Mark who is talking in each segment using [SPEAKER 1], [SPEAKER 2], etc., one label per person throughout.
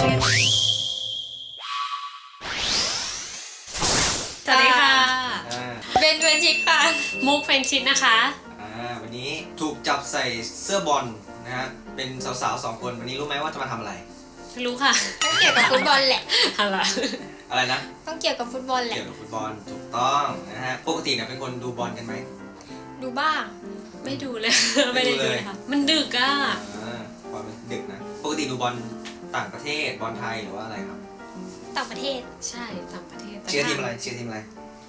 [SPEAKER 1] สวัสดีค่ะ
[SPEAKER 2] เบนชิดค่ะ
[SPEAKER 1] มุกเฟนชิดนะคะ
[SPEAKER 3] วันนี้ถูกจับใส่เสื้อบอลนะฮะเป็นสาวๆ2 คนวันนี้รู้ไหมว่าจะมาทำอะไร
[SPEAKER 1] รู้ค่ะ
[SPEAKER 2] ต้องเกี่ยวกับฟุตบอลแหละ
[SPEAKER 3] อะไรนะ
[SPEAKER 2] ต้องเกี่ยวกับฟุตบอลแหละ
[SPEAKER 3] เกี่ยวกับฟุตบอลถูกต้องนะฮะปกติเนี่ยเป็นคนดูบอลกันไหม
[SPEAKER 2] ดูบ้าง
[SPEAKER 1] ไม่ดูเลยไม่ได้ดูเลยค่ะมันดึกอ่ะ
[SPEAKER 3] บอลมันดึกนะปกติดูบอลต่างประเทศบอลไทยหรือว่าอะไรครับ
[SPEAKER 2] ต่างประเทศ
[SPEAKER 1] ใช่ต่างประเทศ
[SPEAKER 3] เชียร์ทีมอะไรเชียร์ทีมอะไร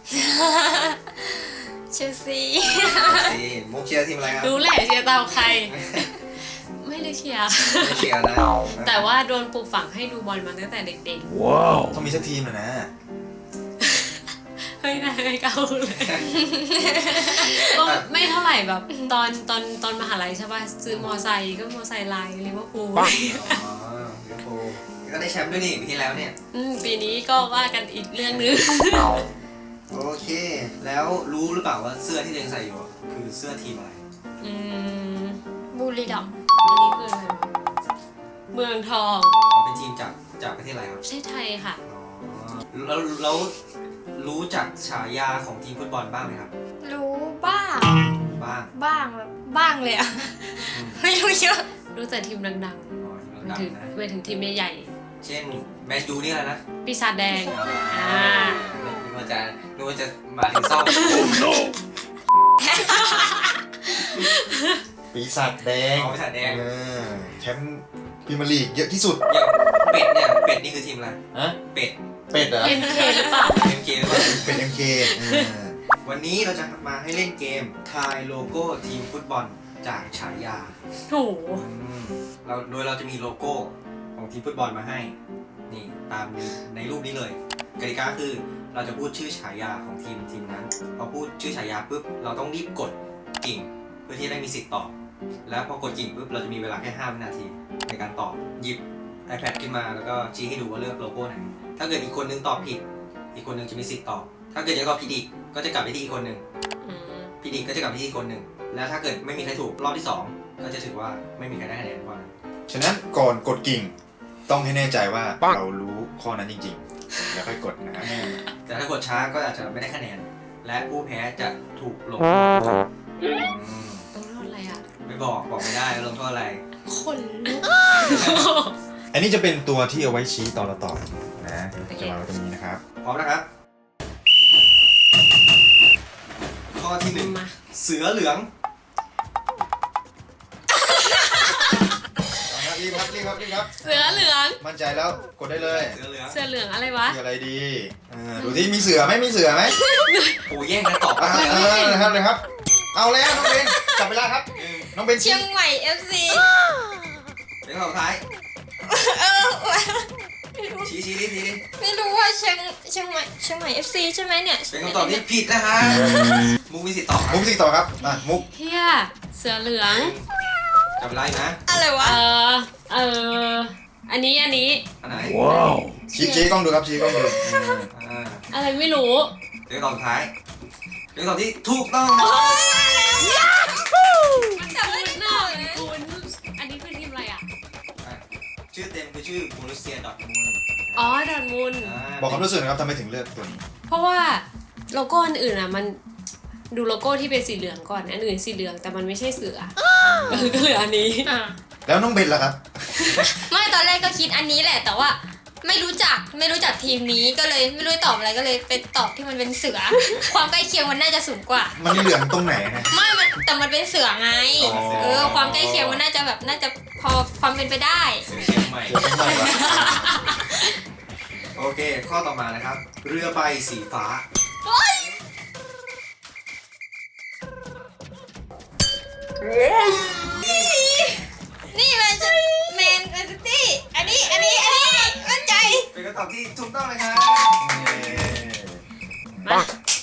[SPEAKER 2] เชลซี
[SPEAKER 3] มุกเชียร์ทีมอะไรครับ
[SPEAKER 1] รู้แหละเชียร์ตามใครไม่ได้เชียร์
[SPEAKER 3] ไม่เชียร์นะ
[SPEAKER 1] แต่ว่าโดนปลูกฝังให้ดูบอลมาตั้งแต่เด็ก
[SPEAKER 3] ๆว้าวต้องมีสักทีมนะ
[SPEAKER 1] เฮ้ยนายเก่าเลยก็ไม่เท่าไหร่แบบตอนมหาลัยใช่ป่ะซื้อมอไซค์ก็มอไซค์ลายลิเวอร์พูล
[SPEAKER 3] อ๋อลิเวอร์พูลก็ได้แชมป์ด้วยนี่ปีที่แล้วเนี่ย
[SPEAKER 1] ปีนี้ก็ว่ากันอีกเรื่องนึง
[SPEAKER 3] โอเคแล้วรู้หรือเปล่าว่าเสื้อที่ตัวเองใส่อยู่คือเสื้อทีมอะไร
[SPEAKER 2] บุรีรัมย์
[SPEAKER 1] อันนี้คืออะไรเมืองทอง
[SPEAKER 3] เป็นทีมจากประเทศอะไรครับ
[SPEAKER 1] ประเทศไทยค่ะ
[SPEAKER 3] แล้วรู้จักฉายาของทีมฟุตบอลบ้างไหมครับ
[SPEAKER 2] รู้บ้างแบบบ้างเลยอะไม่รู้เยอะ
[SPEAKER 1] รู้แต่ทีมดังๆไปถึงทีมใหญ่
[SPEAKER 3] เช่นแมนยูนี่อะไรนะ
[SPEAKER 1] ปีศาจแดง
[SPEAKER 3] นึกว่าจะมาถึงซ่อม
[SPEAKER 4] ปีศาจแดง
[SPEAKER 3] ปีศาจแดง
[SPEAKER 4] แชมป์พรีเมียร์ลีกเยอะที่สุด
[SPEAKER 3] อย่างเป็ดเนี่ยเป็ดนี่คือทีมอะไรเป็ด
[SPEAKER 4] เหรอ
[SPEAKER 1] MK หรือเปล่า
[SPEAKER 3] MK หรือเปล่า
[SPEAKER 4] เป็น MK
[SPEAKER 3] วันนี้เราจะมาให้เล่นเกมทายโลโก้ทีมฟุตบอลจากฉายา
[SPEAKER 1] โห
[SPEAKER 3] โดยเราจะมีโลโก้ของทีมฟุตบอลมาให้นี่ตามในรูปนี้เลยกติกาคือเราจะพูดชื่อฉายาของทีมนั้นพอพูดชื่อฉายาปุ๊บเราต้องรีบกดกิ่งเพื่อที่จะได้มีสิทธิ์ตอบแล้วพอกดกิ่งปุ๊บเราจะมีเวลาแค่5 วินาทีในการตอบหยิบ iPad ขึ้นมาแล้วก็ชี้ให้ดูว่าเลือกโลโก้ไหนถ้าเกิดอีกคนนึงตอบผิดอีกคนนึงจะมีสิทธิ์ตอบถ้าเกิดยังตอบผิดอีกก็จะกลับไปที่อีกคนนึงผิดอีกก็จะกลับไปที่อีกคนนึงแล้วถ้าเกิดไม่มีใครถูกรอบที่2ก็จะถือว่าไม่มีใครได้คะแนนเพราะนั้น
[SPEAKER 4] ฉะนั้นก่อนกดกิ่งต้องให้แน่ใจว่าเรารู้ข้อนั้นจริงๆแล้วค่อยกดนะ
[SPEAKER 3] แต่ถ้ากดช้าก็อาจจะไม่ได้คะแนนและผู้แพ้จะถูกลงโทษ
[SPEAKER 1] ต้องโทษอะไรอ่ะ
[SPEAKER 3] ไม่บอกไม่ได้ลงโทษอะไร
[SPEAKER 2] คนลุก
[SPEAKER 4] อันนี้จะเป็นตัวที่เอาไว้ชี้ตอนเราตอบนะจะมาไว้ตรงนี้นะครับ
[SPEAKER 3] พร้อมนะครับข้อที่1เสือเหลือง
[SPEAKER 4] รีบครับ
[SPEAKER 1] เสือเหลือง
[SPEAKER 4] มั่นใจแล้วกดได้เลย
[SPEAKER 3] เสือเห
[SPEAKER 1] ลืองอะไรวะ
[SPEAKER 4] มีอะไรดีดูที่มีเสือไหม
[SPEAKER 3] โอ้แย่งกันตอบ
[SPEAKER 4] นะครับเอาแล้วน้องเบนจับเวลาครับน้องเบน
[SPEAKER 2] เชียงใหม่ FC
[SPEAKER 3] เป็นคำตอบท้ายชี้
[SPEAKER 2] ไม่รู้ว่าเชียงใหม่ FC ใช่ไหมเนี่ย
[SPEAKER 3] เป็นคำตอบที่ผิดนะฮะมุกมีสิทธิ์ตอบ
[SPEAKER 4] ครับมุก
[SPEAKER 1] เฮียเสือเหลือง
[SPEAKER 3] จับเวลานะ
[SPEAKER 2] อะไรวะ
[SPEAKER 1] อันนี้
[SPEAKER 3] ไหน
[SPEAKER 4] ว้าวชี้กล้องดูครับชี้กล้องดู
[SPEAKER 1] อะไรไม่รู้
[SPEAKER 3] เป็นคำตอบท้ายเป็นคำตอบที่ถูกต้อง
[SPEAKER 1] มันจำไม่ได้คุณอันนี้คือทีมอะไรอ่ะ
[SPEAKER 3] ชื่อเต็มคือชื่อโบรุสเซียดอร์ทมุนด์
[SPEAKER 1] ดอร์ทมุนด์
[SPEAKER 4] บอกความรู้สึกนะครับทำไมถึงเลือกตัวนี้
[SPEAKER 1] เพราะว่าโลโก้อันอื่นอ่ะมันดูโลโก้ที่เป็นสีเหลืองก่อนอันอื่นสีเหลืองแต่มันไม่ใช่เสือก็เหลืออันนี้
[SPEAKER 4] แล้วน้องเบนล่ะครับ
[SPEAKER 2] ไม่ตอนแรกก็คิดอันนี้แหละแต่ว่าไม่รู้จักทีมนี้ก็เลยไม่รู้ตอบอะไรก็เลยไปตอบที่มันเป็นเสือความใกล้เคียงมันน่าจะสูงกว่า
[SPEAKER 4] มันเหลืองตรงไหนนะ
[SPEAKER 2] ไม่แต่มันเป็นเสือไงความใกล้เคียงมันน่าจะพอความเป็นไปได้
[SPEAKER 3] เชียงใหม่โอเคข้อต่อมานะครับเรือใบสีฟ้า
[SPEAKER 2] นี่แมนซิตี้อันนี้มั่นใจ
[SPEAKER 3] เป็นคำตอบที่ถูกต้องเลยครับ
[SPEAKER 1] มา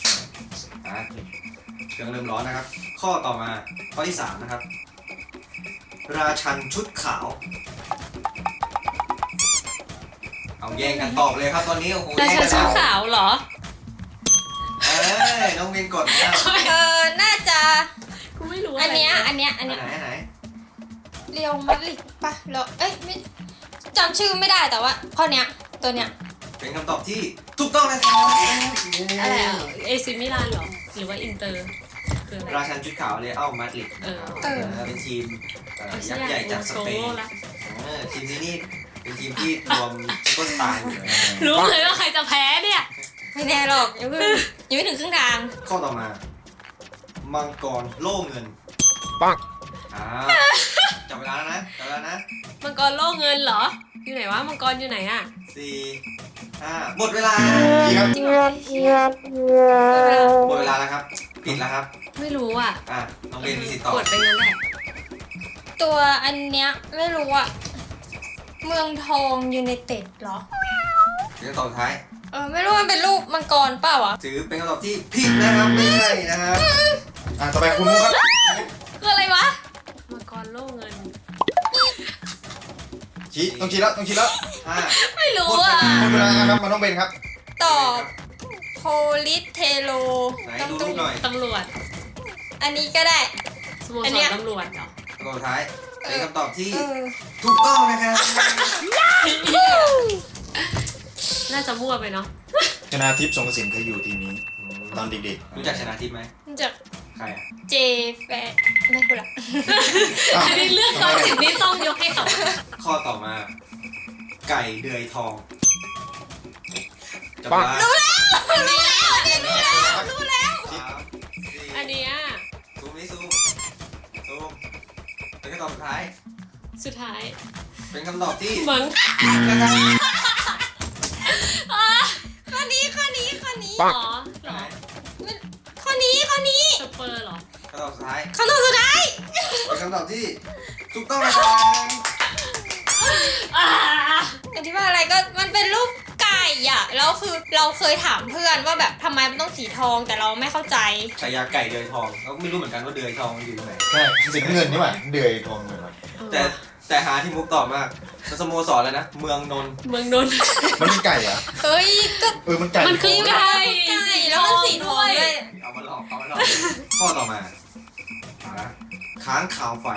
[SPEAKER 3] เครื่องเริ่มร้อนนะครับข้อต่อมาข้อที่3นะครับราชันชุดขาวเอาแย่งกันตอบเลยครับตอนนี้โอ้โห
[SPEAKER 1] ราชันชุดขาวเหรอ
[SPEAKER 3] น้องเบนกดนะ
[SPEAKER 2] น่าจะ
[SPEAKER 1] กูไม่รู้
[SPEAKER 2] อันเนี้ย
[SPEAKER 3] ไหน
[SPEAKER 2] เรียวมาดริดป่ะเราไม่จำชื่อไม่ได้แต่ว่าข้อเนี้ยตัวเนี้ย
[SPEAKER 3] เป็นคำตอบที่ถูกต้องนะครับ
[SPEAKER 1] อะไรอ่ะเอซิมิลานเหรอ หรือว่าอินเตอร์คืออะไร
[SPEAKER 3] ราชันชุดขาวเรอัลมาดริด
[SPEAKER 1] เออ
[SPEAKER 3] เป็นทีมยักษ์ใหญ่จากสเปน
[SPEAKER 1] ละ
[SPEAKER 3] ทีมนี้นี่เป็นทีมที่รวมซุปเปอร์สตาร์อยู่นะ
[SPEAKER 1] รู้เลยว่าใครจะแพ้เนี่ย
[SPEAKER 2] ไม่แน่หรอกยังไม่ถึงครึ่งทาง
[SPEAKER 3] ข้อต่อมา มังกรโล่เงิน
[SPEAKER 4] ปัง
[SPEAKER 3] จับเวลาแล้วนะจับเวลานะ
[SPEAKER 1] มังกรโล่เงินเหรอ อยู่ไหนวะ มังกรอยู่ไหนอ่ะ
[SPEAKER 3] 4 5หมดเวลา
[SPEAKER 4] พี่ครับ
[SPEAKER 2] จริงเหรอ
[SPEAKER 3] หมดเวลาแล้วครับปิดแล้วครับ
[SPEAKER 1] ไม่รู้อ่ะ
[SPEAKER 3] น้องเบนมีสิทธิ์ตอบ
[SPEAKER 1] กดไปงั้นแหละ
[SPEAKER 2] ตัวอันเนี้ยไม่รู้อะเมืองทองยูไนเต็ดเหรอ
[SPEAKER 3] เป็นคำตอบสุดท้าย
[SPEAKER 2] ไม่รู้มันเป็นรูปมังกรเปล่าวะ
[SPEAKER 3] ถือเป็นคำตอบที่ผิดนะครับไม่ใช่นะครับ
[SPEAKER 4] ต่อไปคุณมุกครับ
[SPEAKER 2] คืออะไรวะ
[SPEAKER 1] มังกรโล่เงิน
[SPEAKER 4] ต้องชี้แล้ว
[SPEAKER 3] 5
[SPEAKER 2] ไม่รู้อะ
[SPEAKER 4] หมดเวลาครับมันต้องเป็นครับ
[SPEAKER 2] ตอบโพลิสเทโล
[SPEAKER 3] ไหนดูรูปหน่อย
[SPEAKER 1] ตำรวจ
[SPEAKER 2] อันนี้ก็ได้
[SPEAKER 1] สโม
[SPEAKER 2] อั
[SPEAKER 1] ส
[SPEAKER 2] นเนี้
[SPEAKER 1] ร
[SPEAKER 2] ย
[SPEAKER 1] ตำรวจเหรอ
[SPEAKER 3] คำตอบสุดท้ายเป็นคำตอบที่
[SPEAKER 2] เออ
[SPEAKER 3] ถูกต้องนะครับ
[SPEAKER 1] น่าจะมั่วไปเนาะ
[SPEAKER 4] ชนะทิพย์สงกระสินเคยอยู่ทีมนี้ ตอนเด็ก
[SPEAKER 3] รู้จักชนะทิพย์ไหม
[SPEAKER 2] จาก
[SPEAKER 3] ใครอ่ะ
[SPEAKER 2] เจแฟไม่พูดละ
[SPEAKER 4] ๆ
[SPEAKER 1] อันนี้เรื่องตอนสิบนี้ต้องยกให้เขา
[SPEAKER 3] ข้อต่อมา ไก่เดือยทองจับเวลา
[SPEAKER 2] รู้แล้ว
[SPEAKER 1] อันเนี้ย
[SPEAKER 3] ซูมเป็นคำตอบสุดท้าย
[SPEAKER 1] สุดท้าย
[SPEAKER 3] เป็นคำตอบที่
[SPEAKER 1] มัง
[SPEAKER 3] นะครับ
[SPEAKER 2] ข้อนี้
[SPEAKER 1] อ๋อเหรอ
[SPEAKER 2] ข้อนี้
[SPEAKER 1] สเปอร์เหรอ
[SPEAKER 3] คำตอบสุดท้าย
[SPEAKER 2] คำตอบสุดท้าย
[SPEAKER 3] เป็นคำตอบที่ถูกต้องนะครับ
[SPEAKER 1] อ่า
[SPEAKER 2] อธิบายอะไรก็มันเป็นรูปไก่อะแล้วคือเราเคยถามเพื่อนว่าแบบทำไมมันต้องสีทองแต่เราไม่เข้าใจ
[SPEAKER 3] ฉายาไก่เดือยทองเราก็ไม่รู้เหมือนกันว่าเดือยทองมันอยู่ตรงไหน
[SPEAKER 4] ใช่สีน้ำเงินนี่หว่าเดือยทองเงินว่ะ
[SPEAKER 3] แต่หาที่มุกตอบมากสโมสรแล้วนะ เมืองนนท์
[SPEAKER 1] เมืองนนท์
[SPEAKER 4] มันเป็นไก่เหรอะ
[SPEAKER 2] เฮ้ยก็
[SPEAKER 4] มันไก่
[SPEAKER 1] มันคือไก่
[SPEAKER 2] ไก่แล้วมันสีทองด้วย
[SPEAKER 3] เอามาลองข้อต่อมาค้างคาวไฟ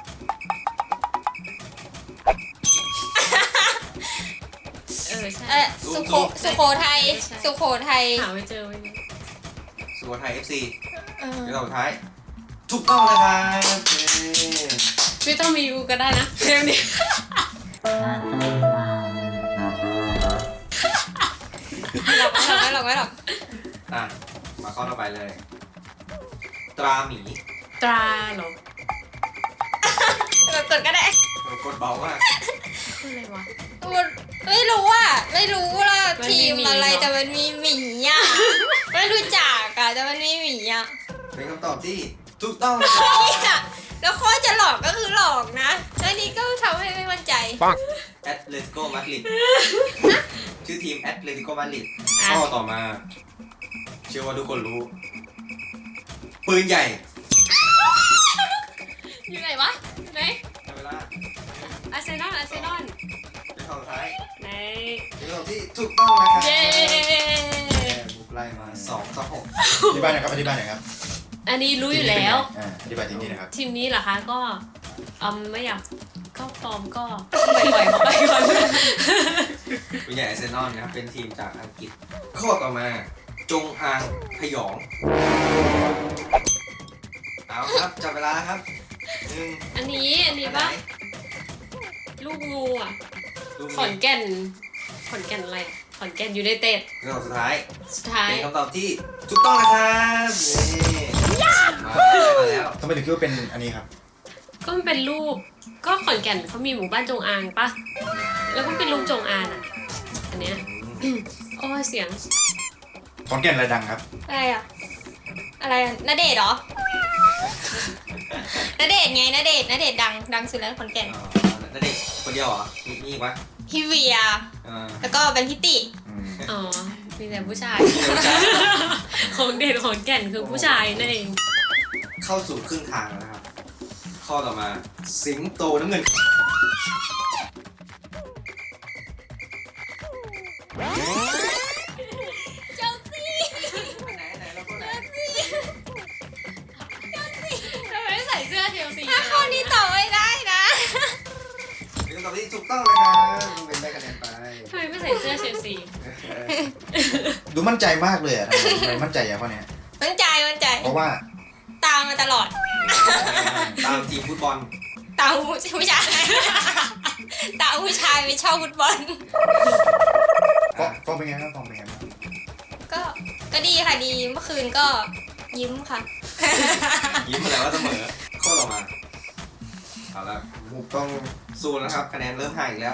[SPEAKER 1] ใช่
[SPEAKER 2] สุโขทัย
[SPEAKER 1] หาไม่เจอไว้เนี่ย
[SPEAKER 3] สุโขทัย FC
[SPEAKER 2] เออ
[SPEAKER 3] เป็นคำตอบสุดท้ายถูกต้องนะครับ
[SPEAKER 1] ไม่ต้องมีกูก็ได้นะเทมนี้
[SPEAKER 2] หลอกไม่หรอก
[SPEAKER 3] มาข้อต่อไปเลย ตราหมี
[SPEAKER 1] ตราเหรอก
[SPEAKER 2] ดก็ได้
[SPEAKER 3] กดเบามาก
[SPEAKER 1] คืออะไรวะ
[SPEAKER 2] ไม่รู้ว่าทีมอะไรแต่มันมีหมีอ่ะไม่รู้จักอ่ะแต่มันมีหมีอ่ะ
[SPEAKER 3] เป็นคำตอบที่ถูกต้องนะครับ
[SPEAKER 2] เนี่ยแล้วข้อจะหลอกก็คือหลอกนะแล้วนี้ก็ทำให้ไม่มั่นใจ
[SPEAKER 3] แอตเลติโกมาดริดชื่อทีมแอตเลติโกมาดริดข้อต่อมา เชื่อว่าทุกคนรู้ ปืนใหญ่
[SPEAKER 1] อยู่ไหนวะไหน
[SPEAKER 3] ในเวลา
[SPEAKER 1] อาร์เซนอล
[SPEAKER 3] เป็นคำสุดท้าย
[SPEAKER 1] ไหน
[SPEAKER 3] เป็นคำตอบที่ถูกต้องนะครับ
[SPEAKER 1] เย้
[SPEAKER 3] บุกไล่มา2 ต่อ
[SPEAKER 4] อธิบายหน่อยครับอธิบายหน่อยครับ
[SPEAKER 1] อันนี้รู้อยู่แล้ว
[SPEAKER 4] อธิบายทีมนี้นะครับ
[SPEAKER 1] ทีมนี้เหรอคะก็ไม่อยากก็ฟอร์มก็ปล่อยเขาไปก่อน
[SPEAKER 3] 6ปืนใหญ่อาร์เซนอลนะครับเป็นทีมจากอังกฤษ ข้อต่อมา จงอางพยอง เอาครับจับเวลาครับ1
[SPEAKER 1] อันนี้ปะลูกงูอ่ะ
[SPEAKER 3] ลูก
[SPEAKER 1] ขอนแก่นอะไรขอนแก่นยูไนเต็ด
[SPEAKER 3] เป็นคำตอบสุดท้าย
[SPEAKER 1] สุดท้าย
[SPEAKER 3] เป็นคำตอบที่ถูกต้องนะครับมาแล้ว
[SPEAKER 4] ทำไมถึงคิดว่าเป็นอันนี้ครับ
[SPEAKER 1] ก็มันเป็นรูปก็ขอนแก่นเขามีหมู่บ้านจงอางปะแล้วก็เป็นรูปจงอางอ่ะอันเนี้ยโอ้ยเสียง
[SPEAKER 4] ขอนแก่นอะไรดังครับ
[SPEAKER 2] อะไรอ่ะณเดชน์เหรอณเดชน์ไงณเดชน์ดังสุดแล้วขอนแก่น
[SPEAKER 3] นั่นเด็กคนเดียวเหรอมีอีกปะ
[SPEAKER 2] พี่เวีย แล้วก็เป็นพี่ติ
[SPEAKER 1] อ๋อมีแต่ผู้ชาย ของเด่นของแก่นคือผู้ชายนั่นเอง
[SPEAKER 3] เข้าสู่ครึ่งทางแล้วนะครับ ข้อต่อมา สิงโตน้ำเงิน
[SPEAKER 2] เจลซี่
[SPEAKER 3] ไหนเราก็ไหน
[SPEAKER 1] ทำไมใส่เสื้อเชลซี
[SPEAKER 2] ถ้าข้อนี้ตอบไม่ได้นะ
[SPEAKER 3] เป็นคำตอบที่ถูกต้องนะครับน้องเบนได้คะแนนไป
[SPEAKER 1] ทำไมไม่ใส่เสื้อเชลซี
[SPEAKER 4] ดูมั่นใจมากเลยอะทำไมมั่นใจอย่างข้อเนี้ย
[SPEAKER 2] มั่นใจ
[SPEAKER 4] เพราะว่า
[SPEAKER 2] ตามมาตลอด
[SPEAKER 3] ตามทีมฟุตบอล
[SPEAKER 2] ตามผู้ชาย ตามผู้ชายไปชอบฟุตบอล
[SPEAKER 4] ฟอร์มเป็นไงครับฟอร์มเป็นไงบ้าง
[SPEAKER 2] ก็ดีค่ะดีเมื่อคืนก็ยิ้มค่ะ
[SPEAKER 3] ยิ้มอะไรว่าเสมอข้อต่อมาเอาละมุกต้องสู้แล้วครับคะแนนเริ่มห่างอีกแล้ว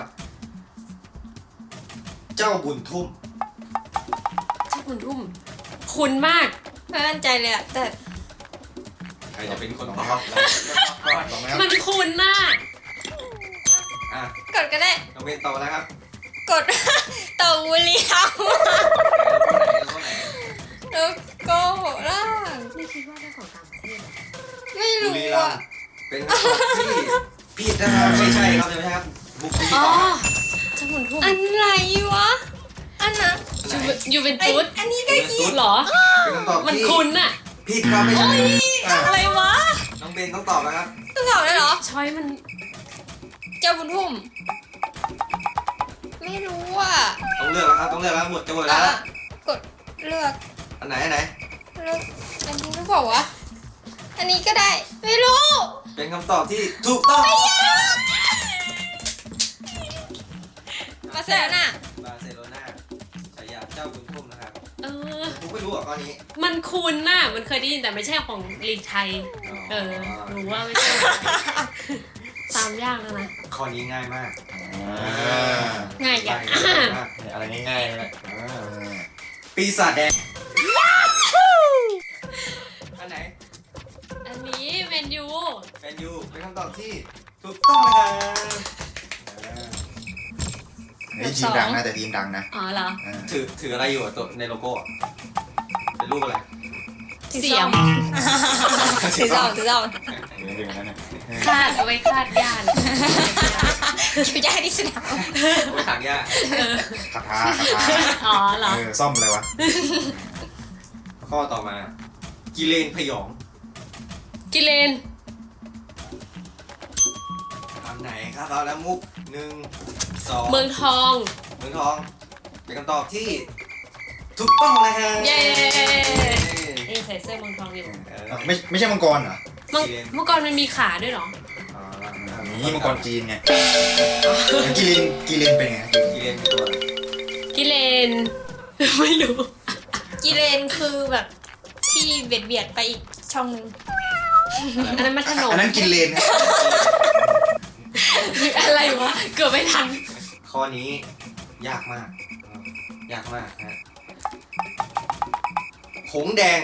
[SPEAKER 3] เจ้าบุญทุ่ม
[SPEAKER 1] เจ้าคุณทุ่มคุณมาก
[SPEAKER 2] ไม่มั่นใจเลยอะแต่
[SPEAKER 3] ใครจะเป็นคนตอบ
[SPEAKER 4] ก่อนไหมครับ
[SPEAKER 1] มันคุณน่ะ
[SPEAKER 3] อ่ะ
[SPEAKER 2] กดก็ได้
[SPEAKER 3] น้องเบนตอบแล้วครับ
[SPEAKER 2] กด ต่อบุรีรัมย์
[SPEAKER 3] ข้อไหน
[SPEAKER 2] แล้วก็ล่าง
[SPEAKER 1] ไม่คิดว่าได้ของต่างประเทศ
[SPEAKER 2] ไม่
[SPEAKER 3] บุ
[SPEAKER 2] รู้
[SPEAKER 3] รีรัม
[SPEAKER 2] อะ
[SPEAKER 3] ย์เป็นคำตอบที่ผิดนะครับไม่ใช่ครับไม่ใช่ครับบุกที่
[SPEAKER 1] อ๋อ
[SPEAKER 3] ตอบ
[SPEAKER 1] เจ้าคุณทุ่ม
[SPEAKER 2] อะไรวะ อันนั้น
[SPEAKER 1] ยูเวน
[SPEAKER 2] ไอ
[SPEAKER 1] ตุส
[SPEAKER 2] อันนี้ก็
[SPEAKER 3] เป็นตุ๊ด
[SPEAKER 1] เหรอ
[SPEAKER 3] เป็นคำตอบ
[SPEAKER 1] มัน
[SPEAKER 3] ที่
[SPEAKER 1] คุณน่ะ
[SPEAKER 3] ผิดครับไม่ใช่อ่ะ
[SPEAKER 2] อะไรวะ
[SPEAKER 3] น้องเบนต้องตอบแล้วครับ
[SPEAKER 2] ต้องตอบได้เหรอ
[SPEAKER 1] ช้อยมัน
[SPEAKER 2] เจ้าบุญทุ่ม ไม่รู้อ่ะ
[SPEAKER 3] ต้องเลือกแล้วครับต้องเลือกแล้วหมดจะหมดแล้ว
[SPEAKER 2] กดเลือก
[SPEAKER 3] อันไหนอันไหน
[SPEAKER 2] เลือกอันนี้หรือเปล่าวะ อันนี้ก็ได้ ไม่รู้
[SPEAKER 3] เป็นคำตอบที่ถูกต้อง
[SPEAKER 2] มาเสร็จแล้วน่ะ
[SPEAKER 3] บาร์เซโลนาฉายาเจ้าบุญทุ่มนะครับ
[SPEAKER 1] เออ
[SPEAKER 3] ผมไม่รู้อ่ะข้อนี้
[SPEAKER 1] มันคุณน่ะ มันเคยได้ยินแต่ไม่ใช่ของลีกไทย เออ รู้ว่าไม่ใช่ ตามยากแล้วนะ
[SPEAKER 3] ข้อนี้ง่ายมาก
[SPEAKER 2] ง่ายอย่าง
[SPEAKER 3] ง่ายมาก
[SPEAKER 4] อะไรง่ายๆเลย
[SPEAKER 3] ปีศาจแดงอันไหน
[SPEAKER 1] อันนี้เมนยู
[SPEAKER 3] แมนยูเป็นคำตอบที่ถูกต้องนะครับ
[SPEAKER 4] นี่ทีมดังนะแต่ทีมดังนะ
[SPEAKER 1] อ๋อเหรอ
[SPEAKER 3] ถืออะไรอยู่อะตัวในโลโก้อะเป็นรูปอะไร
[SPEAKER 1] เสียม
[SPEAKER 2] ถือเจ้า
[SPEAKER 4] เดี๋ยวนั้นนะ
[SPEAKER 1] คาดเอาไว้คาดย่าน
[SPEAKER 2] คิวจะให้ที่สนาม
[SPEAKER 3] ไว้ถางหญ้า
[SPEAKER 4] คาถา
[SPEAKER 1] อ๋อเหรอ
[SPEAKER 4] ซ่อมอะไรวะ
[SPEAKER 3] ข้อต่อมา กิเลนพยอง
[SPEAKER 1] กิเลน
[SPEAKER 3] อันไหนครับเอาแล้วมุก1 2
[SPEAKER 1] เมืองทอง
[SPEAKER 3] เมืองทอง เป็นคำตอบที่ถูกต้องเลยฮะ
[SPEAKER 1] เย้ นี่ใส่เสื้อเมืองทองอยู่
[SPEAKER 4] ไม่ใช่มังกรเหรอ
[SPEAKER 1] เมื่อก่อนมันมีขาด้วยเหรอ
[SPEAKER 4] นี่มังกรจีนไงกีเลนเป็นไง
[SPEAKER 3] กิเลนเป็นตัวอะไร
[SPEAKER 1] กิเลน ไม่รู้
[SPEAKER 2] กีเลนคือแบบที่เบียดไปอีกช่องหนึง
[SPEAKER 1] อันนั้นมันขนม
[SPEAKER 4] อันนั้นกินเลนนะ
[SPEAKER 1] อะไรวะ เกือบไม่ทัน
[SPEAKER 3] ข้อนี้ยากมาก ยากมากฮะหงส์แดง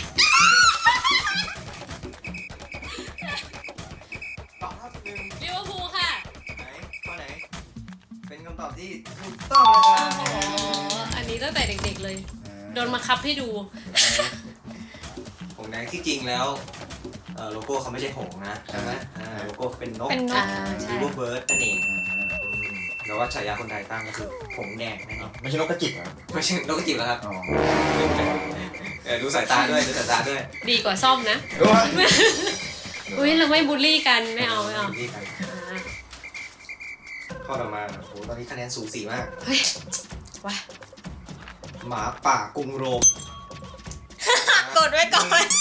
[SPEAKER 3] ตอบครับหนึ่ง
[SPEAKER 1] ลิเวอร์พูลค่ะ
[SPEAKER 3] ไหนข้อไหน เป็นคำตอบที่ถูกต้องนะค
[SPEAKER 1] อ๋
[SPEAKER 3] รั
[SPEAKER 1] อบ อันนี้ตั้งแต่เด็กๆเลย โดนมาคับให้ดู
[SPEAKER 3] หงส์แดงที่จริงแล้วโลโก้เขาไม่ใช่หงส์นะใช่ไหมโลโก้เขาเป็นนก
[SPEAKER 2] เป็นนก
[SPEAKER 1] ใช่
[SPEAKER 3] ลิเวอร์เบิร์ดนั่นเองแล้วว่าฉายาคนไทยตั้งก็คือหงส์แดงนั่นเอง
[SPEAKER 4] ไม่ใช่นกกระจิบเหรอ
[SPEAKER 3] ไม่ใช่นกกระจิบแล้วครับ
[SPEAKER 4] อ๋อ
[SPEAKER 3] ดูสายตาด้วยดูสายตาด้วย
[SPEAKER 1] ดีกว่าซ่อมนะ อุ้ยเราไม่บูลลี่กัน ไม่เอา
[SPEAKER 3] นี่ครับ
[SPEAKER 1] อ่า
[SPEAKER 3] ข้อต่อมาโอ้ตอนนี้คะแนนสูสีมาก
[SPEAKER 1] เฮ้ยว้า
[SPEAKER 3] หมาป่ากรุงโรม
[SPEAKER 2] กดไว้ก่อน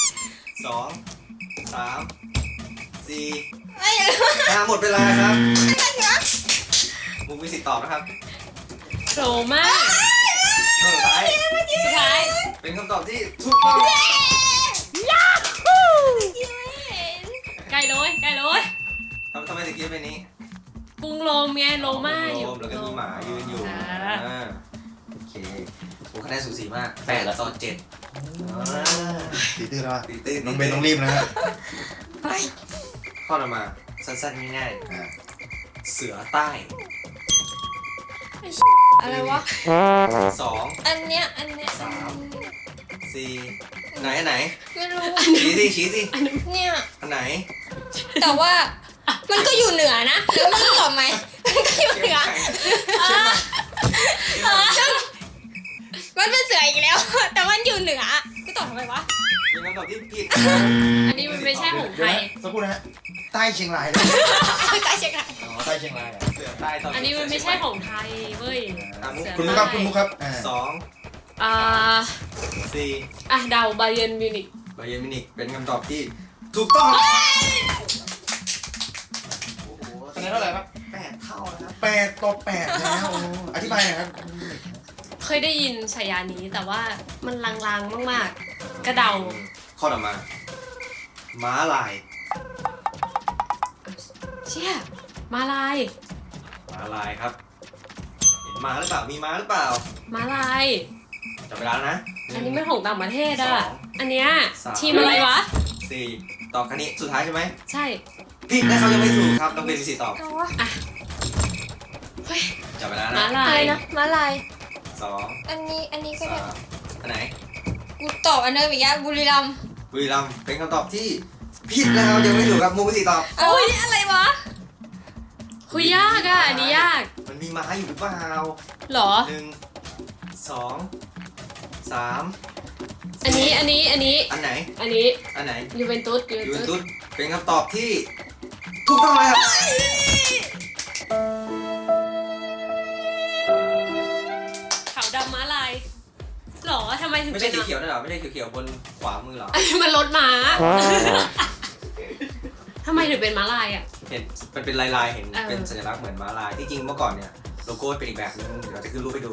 [SPEAKER 3] 2 3 4
[SPEAKER 2] ไม่รู้
[SPEAKER 3] หมดเวลาครับมุกมีสิทธิ์ตอบนะครับ
[SPEAKER 1] โผล่มาก
[SPEAKER 3] ข้อสุดท้าย
[SPEAKER 1] สุดท้าย
[SPEAKER 3] เป็นคำตอบที่ถูกต้อง
[SPEAKER 1] ใกล้เลยใกล้เลย
[SPEAKER 3] ทำไมถึงคิดเป็นนี้
[SPEAKER 1] กรุงโรมไงโรม่าอยู่
[SPEAKER 3] แล้วก็มีหมายืนอยู่
[SPEAKER 1] อ่า
[SPEAKER 3] โอเคโอ้คะแนนสูสีมาก8-7
[SPEAKER 4] ตีตื้อแล้ว
[SPEAKER 3] ตีตื้น
[SPEAKER 4] น้องเบนต้องรีบนะฮะ
[SPEAKER 2] ไป
[SPEAKER 3] ข้อต่อมาสั้นๆง่าย
[SPEAKER 4] อ่า
[SPEAKER 3] ๆเสือใต้
[SPEAKER 2] อะไรวะ
[SPEAKER 3] 2
[SPEAKER 2] อันเนี้ย
[SPEAKER 3] 4 ไหนอันไหน
[SPEAKER 2] ไม่รู้
[SPEAKER 3] ชี้สิ
[SPEAKER 2] เนี่ย
[SPEAKER 3] อันไหน
[SPEAKER 2] แต่ว่ามันก็อยู่เหนือนะ แล้วมึงตอบไหมมันก็อยู่เหนือมันเป็นเสืออีกแล้ว แต่มันอยู่เหนือกูตอบทำไมวะ
[SPEAKER 3] เป็นคำตอบที่ผิด
[SPEAKER 1] อันนี้มันไม่ใช่หงส์ไทย
[SPEAKER 4] สักครู่นะฮะใต้เชียงรายเลย
[SPEAKER 2] ใกล้เช็คละ
[SPEAKER 4] อ๋อใต้เชียงรายเหรอ
[SPEAKER 3] เสือใต้ตอน
[SPEAKER 1] อันนี้มันไม่ใช่ของไทยเว้ย
[SPEAKER 4] คุณมุกครับคุณมุกครับ
[SPEAKER 3] สอง
[SPEAKER 1] อ่า
[SPEAKER 3] สี่
[SPEAKER 1] อ่ะเดาไบเยร์นมิวนิก
[SPEAKER 3] บาเยิร์นมิวนิกเป็นคำตอบที่ถูกต้องโอ้โห
[SPEAKER 4] คะแนนเท่าไหร่ครับ
[SPEAKER 3] 8 เท่านะครับ
[SPEAKER 4] 8-8แล้วโอ้อธิบายหน่อยครับ
[SPEAKER 1] เคยได้ยินฉายานี้แต่ว่ามันลางๆมากๆ กระเดา
[SPEAKER 3] ข้อต่อมา ม้าลาย
[SPEAKER 1] เชี่ยมาลาย
[SPEAKER 3] ม้าลายครับ เห็นม้าหรือเปล่า มีม้าหรือเปล่า
[SPEAKER 1] มาลาย
[SPEAKER 3] จับเวลาแล้วนะ
[SPEAKER 1] อันนี้ไม่ของต่างประเทศ
[SPEAKER 3] ส
[SPEAKER 1] อ่ะ
[SPEAKER 3] อง
[SPEAKER 1] อันเนี้ย
[SPEAKER 3] สาม
[SPEAKER 1] ทีมอะไรวะ
[SPEAKER 3] สี่ตอบคันนี้สุดท้ายใช่ไหม
[SPEAKER 1] ใช่
[SPEAKER 3] ผิดนะครับยังไม่ถูกครับต้องเป็นสี่ตอบ
[SPEAKER 2] เอาวะ
[SPEAKER 3] จับเวลา
[SPEAKER 1] มา
[SPEAKER 3] นะ
[SPEAKER 1] ลา
[SPEAKER 2] อะไร
[SPEAKER 1] ย
[SPEAKER 2] นะม้าลาย
[SPEAKER 3] สอง
[SPEAKER 2] อันนี้ก็ได้
[SPEAKER 3] สามอันไหน
[SPEAKER 2] กูตอบอันเดิมอีกแล้วบุรีรัมย์
[SPEAKER 3] บุรีรัมย์เป็นคำตอบที่ผิดนะครับยังไม่ถูกครับมูไม่สี่ตอบ
[SPEAKER 2] โอ้ยอะไรวะ
[SPEAKER 1] คุยยากอ่ะ อันนี้ยาก
[SPEAKER 3] มันมีม้าอยู่หรือเปล่า
[SPEAKER 1] เหรอ
[SPEAKER 3] หนึ่งสองสาม
[SPEAKER 1] อันนี้
[SPEAKER 3] อันไหน
[SPEAKER 1] อันนี้
[SPEAKER 3] อันไหน
[SPEAKER 1] ยูเวนตุส
[SPEAKER 3] ยูเวนตุสเป็นคำตอบที่ถูกต้องเลยครับ
[SPEAKER 1] ขาวดำม้าลายเหรอทำไมถึง
[SPEAKER 3] ไม่
[SPEAKER 1] เป็
[SPEAKER 3] ใช่
[SPEAKER 1] น
[SPEAKER 3] สีเขียวนะเหรอไม่ใช่เขียวๆบนขวามือเหรอ
[SPEAKER 1] อันนี้มันรถม้าทำไมถึงเป็นม้าลายอ่ะ
[SPEAKER 3] เห็นมันเป็นลายๆเห็น
[SPEAKER 1] เออ
[SPEAKER 3] เป็นสัญลักษณ์เหมือนม้าลายที่จริงเมื่อก่อนเนี่ยโลโก้เป็นอีกแบบนึงเดี๋ยวเราจะขึ้นรูปให้ดู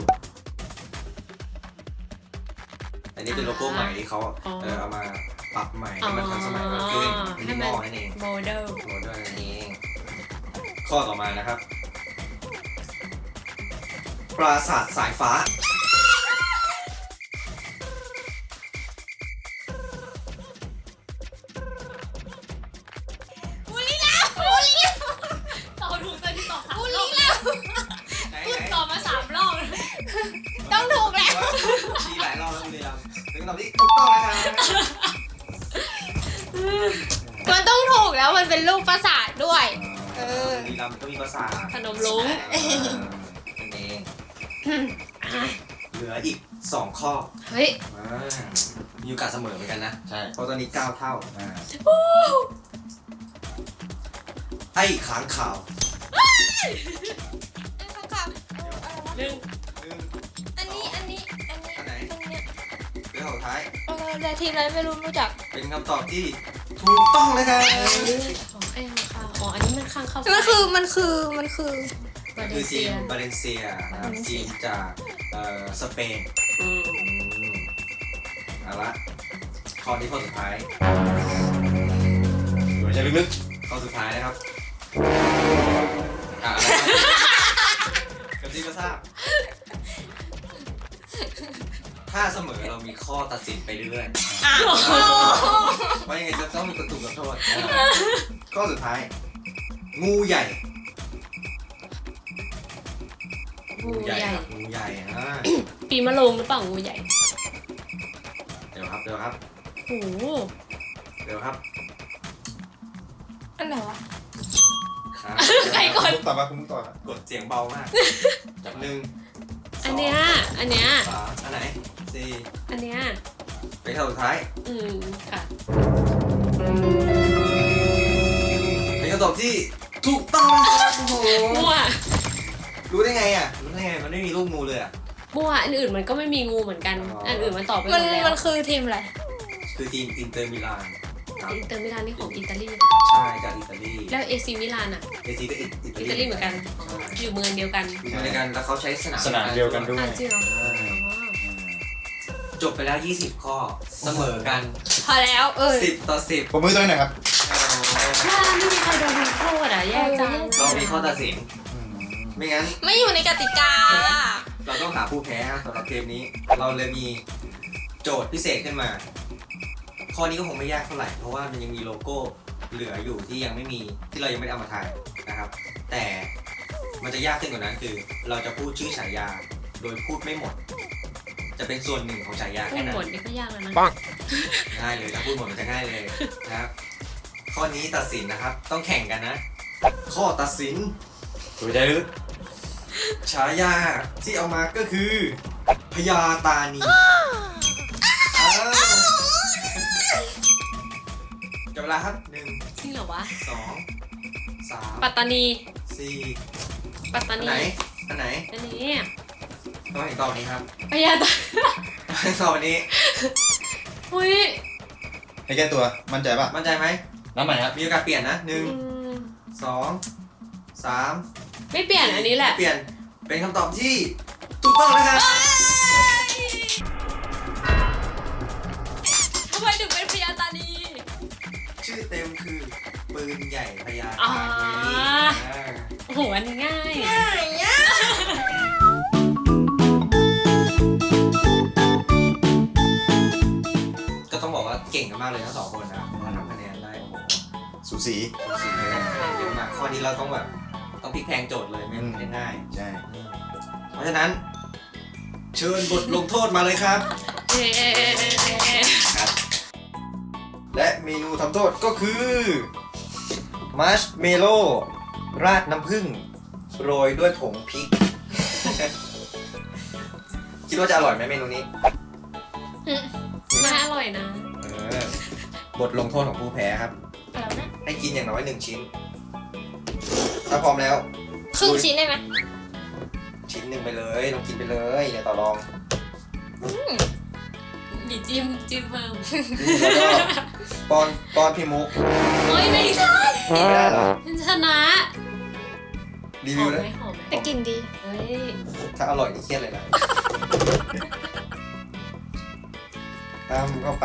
[SPEAKER 3] อันนี้เป็นโลโก้ใหม่ที่เขาเอามาปรับใหม่ให้มันทันสมัยมากขึ้นมินิมอลนั่นเอง
[SPEAKER 1] โมเดล
[SPEAKER 3] โมเดิร์นนั่นเองข้อต่อมานะครับ ปราสาทสายฟ้า
[SPEAKER 2] บุรีรัมย์บุรีรัมย์
[SPEAKER 1] ตอบถูกเลยที่ตอบ
[SPEAKER 2] บุรีรัมย์
[SPEAKER 3] ไหน
[SPEAKER 1] ตอบมา3 รอบ
[SPEAKER 2] ต้องถูกแล้ว
[SPEAKER 3] ชี้หลายรอบแล้วบุรีรัมย์เป็นคำตอบที่ถูกต้องนะครับ
[SPEAKER 2] มันต้องถูกแล้วมันเป็นรูปปราสาทด้วย เออ
[SPEAKER 3] บุรีรัมย์ก็มีปราสาท
[SPEAKER 1] ขนมลุง
[SPEAKER 3] นั่นเองเหลืออีก 2 ข้อ
[SPEAKER 1] เฮ้ย
[SPEAKER 3] มีโอกาสเสมอเหมือนกันนะ
[SPEAKER 4] ใช่
[SPEAKER 3] เพราะตอนนี้ 9 เท่า
[SPEAKER 4] อ่า
[SPEAKER 3] ไอ้ขางขาว
[SPEAKER 1] หนึ่ง
[SPEAKER 2] อันนี้
[SPEAKER 3] อันไหน เป็นข้อสุดท้าย
[SPEAKER 2] แต่ทีมอะไรไม่รู้จัก
[SPEAKER 3] เป็นคำตอบที่ถูกต้องเลยครับ
[SPEAKER 1] ของไอ้ข้างอ๋อ อันนี้มันข้างเข้า
[SPEAKER 2] มันคือ
[SPEAKER 1] บา
[SPEAKER 3] คื
[SPEAKER 1] เล
[SPEAKER 3] อ
[SPEAKER 1] เซี
[SPEAKER 3] ที
[SPEAKER 1] ย
[SPEAKER 3] มบาเลนเซียนะครับทีมจากสเปน
[SPEAKER 1] อืม
[SPEAKER 3] เอาละข้อนี้ข้อสุดท้าย
[SPEAKER 4] หัวใจลึก
[SPEAKER 3] ข้อสุดท้ายนะครับอะไรครับกับที่ก็ทราบถ้าเสมอเรามีข้อตัดสินไปเรื่อยๆว่ายังไงจะต้องมีคนถูกลงโทษข้อสุดท้าย งูใหญ่
[SPEAKER 1] งูใหญ่
[SPEAKER 3] ครับงูใหญ่อ่า
[SPEAKER 1] ปีมะโรงหรือเปล่างูใหญ่
[SPEAKER 3] เดี๋ยวครับ
[SPEAKER 1] โอ้โห
[SPEAKER 3] เดี๋ยวครับ
[SPEAKER 2] อันไหนวะ
[SPEAKER 3] อ่า
[SPEAKER 1] ใคร
[SPEAKER 4] ๆ
[SPEAKER 1] ก่อน
[SPEAKER 4] คุณมุกตอบมาคุณมุกตอบ
[SPEAKER 3] กดเสียงเบามากจับหนึ่ง
[SPEAKER 1] อันเนี้ย
[SPEAKER 3] สามอันไหนสี่
[SPEAKER 1] อันเนี้ย
[SPEAKER 3] เป็นข้อสุดท้าย
[SPEAKER 1] อืม ค่ะ
[SPEAKER 3] เป็นคำตอบที่ถูกต้องนะครับโอ้โห
[SPEAKER 1] มั่ว
[SPEAKER 3] รู้ได้ไงอ่ะรู้ได้ไงมันไม่มีรูปงูเลยอ่ะ
[SPEAKER 1] มั่วอันอื่นมันก็ไม่มีงูเหมือนกัน
[SPEAKER 3] อ๋ออั
[SPEAKER 1] อันอื่นมันตอบไปหม
[SPEAKER 2] มัน
[SPEAKER 1] ดแล้ว
[SPEAKER 2] มันคือทีมอะไร
[SPEAKER 3] คือทีมอินเตอร์มิลานครับ
[SPEAKER 1] อินเตอร์มิลานนี่ของอิตาลี
[SPEAKER 3] ใช่จากอิตาลี
[SPEAKER 1] แล้วเอซีมิลานอ่ะ
[SPEAKER 3] เอซีก็อิ
[SPEAKER 1] อิตาลีเหมือนกัน อยู่เมืองเดียวกัน
[SPEAKER 3] อยู่เหมือนกันแล้วเขาใช้สนาม
[SPEAKER 4] สนามเดียวกันด้วย
[SPEAKER 1] อ่ะจริงเหรออ๋อ
[SPEAKER 3] จบไปแล้ว 20 ข้อเสมอกัน
[SPEAKER 2] พอแล้ว
[SPEAKER 3] 10 ต่อ 10
[SPEAKER 4] ผมมือตัวหน่อยครับ
[SPEAKER 1] ว่าไม่มีใครโดนโทษอ่ะ แย่จัง
[SPEAKER 3] เรามีข้อตัดสิน ไม่งั้น
[SPEAKER 2] ไม่อยู่ในกติกา
[SPEAKER 3] เราต้องหาผู้แพ้สำหรับเกมนี้ เราเลยมีโจทย์พิเศษขึ้นมา ข้อนี้ก็คงไม่ยากเท่าไหร่ เพราะว่ามันยังมีโลโก้เหลืออยู่ที่ยังไม่มีที่เรายังไม่ได้เอามาถ่ายนะครับ แต่มันจะยากขึ้นกว่านั้นคือ เราจะพูดชื่อฉายาโดยพูดไม่หมด จะเป็นส่วนหนึ่งของฉายา
[SPEAKER 1] พู
[SPEAKER 3] แค่
[SPEAKER 1] ด
[SPEAKER 3] นั้
[SPEAKER 1] หมด
[SPEAKER 3] น
[SPEAKER 1] นี่ก็ยากแล้วนะ
[SPEAKER 3] ง่ายเลยถ้าพูดหมดมันจะง่ายเลยนะครับ ข้อนี้ตัดสินนะครับ ต้องแข่งกันนะ ข้อตัดสิน
[SPEAKER 4] หัวใจลึก
[SPEAKER 3] ฉายาที่เอามาก็คือพญาตานีจับเวลาครับ 1
[SPEAKER 1] จริงเหรอรอวะ
[SPEAKER 3] 2 3
[SPEAKER 1] ปัตตานี
[SPEAKER 3] 4
[SPEAKER 1] ปัตตา
[SPEAKER 3] อัน
[SPEAKER 1] นี
[SPEAKER 3] ไหนอันไหน
[SPEAKER 1] อันนี้
[SPEAKER 3] ต้องเห็นตอบนี้ครับ
[SPEAKER 1] พญาตา
[SPEAKER 3] ให้ตอบอันนี้
[SPEAKER 1] อุ้ย
[SPEAKER 4] ให้แก้ตัวมั่นใจป่ะ
[SPEAKER 3] มั่นใจไหม
[SPEAKER 4] น้ำใหม่ครับ
[SPEAKER 3] มีโอกาสเปลี่ยนนะ
[SPEAKER 1] อืม
[SPEAKER 3] 1 2 3
[SPEAKER 1] ไม่เปลี่ยนอันนี้แหละ
[SPEAKER 3] เปลี่ยนเป็นคำตอบที่ถูกต้องนะครับ
[SPEAKER 1] ทำไมถึงเป็นพญาตานี
[SPEAKER 3] ชื่อเต็มคือปืนใหญ่พญา
[SPEAKER 1] อ๋อ
[SPEAKER 3] ตานี
[SPEAKER 1] โอ้โหอันนี้ง่าย
[SPEAKER 2] ง่ายอ่ะ
[SPEAKER 3] ก็ต้องบอกว่าเก่งกันมากเลยทั้งสองคนนะมาทำคะแนนได้โอ้โห
[SPEAKER 4] สูสี
[SPEAKER 3] สูสีเลยเยอะมากข้อนี้เราต้องแบบต้องพลิกแพลงโจทย์เลยไม่ได้ง่าย
[SPEAKER 4] ใช่
[SPEAKER 3] เพราะฉะนั้น เชิญบทลงโทษมาเลยครับ
[SPEAKER 1] เย้
[SPEAKER 3] และเมนูทำโทษก็คือมัชเมโล่ราดน้ำผึ้งโรยด้วยผงพริก คิดว่าจะอร่อยไหมเมนูนี้
[SPEAKER 1] น่าอร่อยนะ
[SPEAKER 3] บทลงโทษของผู้แพ้ครับ
[SPEAKER 2] อะไรนะ
[SPEAKER 3] ให้กินอย่างน้อย1 ชิ้น ถ้าพร้อมแล้ว
[SPEAKER 2] ครึ่งชิ้นได้ไหม
[SPEAKER 3] ชิ้นหนึ่งไปเลยลองกินไปเลยอย่าต่อรอง
[SPEAKER 1] มีจิ้มเพิ่ม
[SPEAKER 3] แล้วก็ป้อนพี่มุก
[SPEAKER 1] เฮ้ยไม่ใช่
[SPEAKER 3] ไม่ได้เหรอ
[SPEAKER 1] ฉันชนะ
[SPEAKER 3] รี
[SPEAKER 1] ห
[SPEAKER 3] วิ
[SPEAKER 1] อ
[SPEAKER 3] ว
[SPEAKER 1] ม
[SPEAKER 3] นะ
[SPEAKER 1] ไหมหอมไหม
[SPEAKER 2] แต่กลินดี
[SPEAKER 1] เฮ้ย
[SPEAKER 3] ถ้าอร่อยนี่เครียดเลยนะทำเข้าไป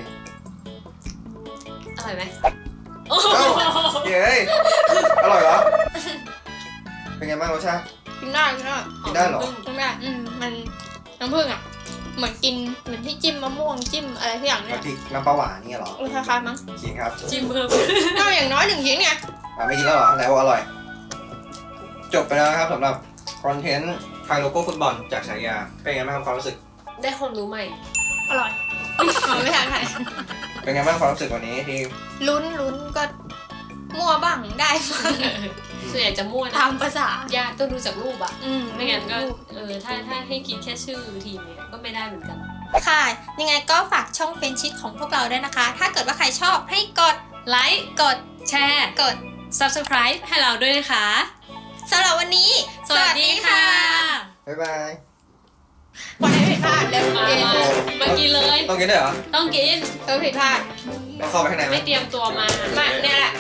[SPEAKER 1] อร่อยไหมโอ้โห
[SPEAKER 3] เอ้า เย้ยอร่อยเหรอ เป็นไงบ้างรสชาติ
[SPEAKER 2] กินได้กินได้
[SPEAKER 3] กินได้เหรอ
[SPEAKER 2] กินได้มันน้ำผึ้งอ่ะ เหมือนกินเหมือนที่จิ้มมะม่วงจิ้มอะไรทุกอย่างเนี่ย
[SPEAKER 3] น้ำพริกน้ำปลาหวานนี่เหรอ
[SPEAKER 2] คล้ายๆมั้ง
[SPEAKER 3] กินครับ
[SPEAKER 1] จิ้มเพิ่ม
[SPEAKER 2] ก็อย่างน้อย1 ชิ้นไง
[SPEAKER 3] ไม่กินแล้วเหรอแล้วอร่อย จบไปแล้วนะครับสำหรับคอนเทนต์ทายโลโก้ฟุตบอลจากฉายา เป็นไงบ้างครับความรู้สึก
[SPEAKER 1] ได้ความรู้ใหม่
[SPEAKER 2] อร่อยไม่ทานใคร
[SPEAKER 3] เป็นไงบ้างความรู้สึกวันนี้ที่
[SPEAKER 2] ลุ้นก็มั่วบ้างได้บ้าง
[SPEAKER 1] ส่วนใหญ่จะมั่วนะ
[SPEAKER 2] ตามภาษา
[SPEAKER 1] ยากต้องดูจากรูปอะ ไม่
[SPEAKER 2] ไม่
[SPEAKER 1] งั้
[SPEAKER 2] งั้
[SPEAKER 1] น
[SPEAKER 2] น
[SPEAKER 1] ก็
[SPEAKER 2] ก็
[SPEAKER 1] ถ้าให้คิดแค่ชื่อทีมเนี่ยก็ไม่ได้เหมือนกัน
[SPEAKER 2] ค่ะ ยังไงก็ฝากช่องเฟรนชิดของพวกเราด้วยนะคะ ถ้าเกิดว่าใครชอบให้กด
[SPEAKER 1] ไลค์กดแชร์
[SPEAKER 2] กด
[SPEAKER 1] subscribe ให้เราด้วยนะคะ
[SPEAKER 2] สำหรับวันนี้
[SPEAKER 1] สวัสดีค่ะ
[SPEAKER 3] บ๊ายบาย
[SPEAKER 2] ปล่อยให้ผิดพลาดเร็ว
[SPEAKER 1] มา
[SPEAKER 2] กิน
[SPEAKER 1] มากินเลย
[SPEAKER 3] ต้องกินด้วยเหรอ
[SPEAKER 1] ต้องกิน
[SPEAKER 2] ผิดพลาด
[SPEAKER 3] ต้องเข้าไปข้างในไหม
[SPEAKER 1] ไม่เตรียมตัวมา
[SPEAKER 2] มาเนี่ยแหละ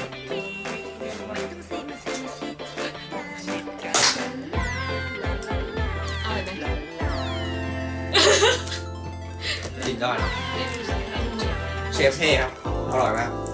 [SPEAKER 1] อร่อยไหม
[SPEAKER 3] กินยอด
[SPEAKER 1] ไม่รู้สึก
[SPEAKER 3] เชฟเท่ครับ อร่อยมาก